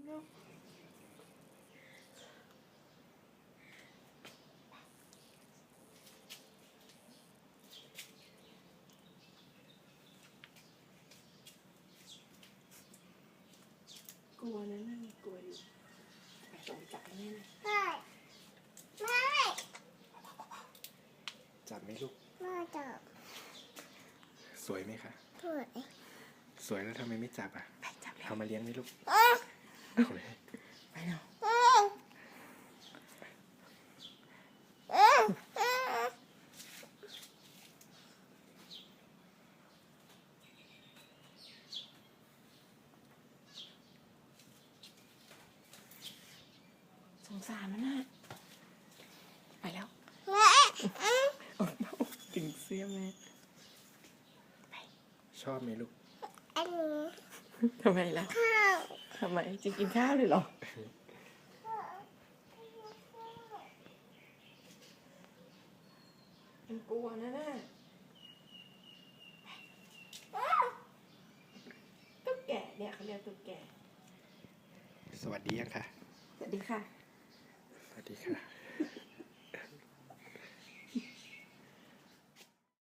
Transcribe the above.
กลัวนะนั่นกลัวอยู่ไปส่งจับแม่เลยจับไหมลูกไม่จับสวยไหมคะสวยสวยแล้วทำไมไม่จับอ่ะไปจับเลยเอามาเลี้ยงไหมลูกไปเนาะสงสารมันน่ะไปแล้วถึงเสี้ยแม่ชอบไหมลูกอันนี้ทำไมล่ะข้าวทำไมจริงกินข้าวเลยเหรอมันกลัวนะน่ะตุ๊กแกเนี่ยเขาเรียกตุ๊กแกสวัสดียังค่ะสวัสดีค่ะสวัสดีค่ะ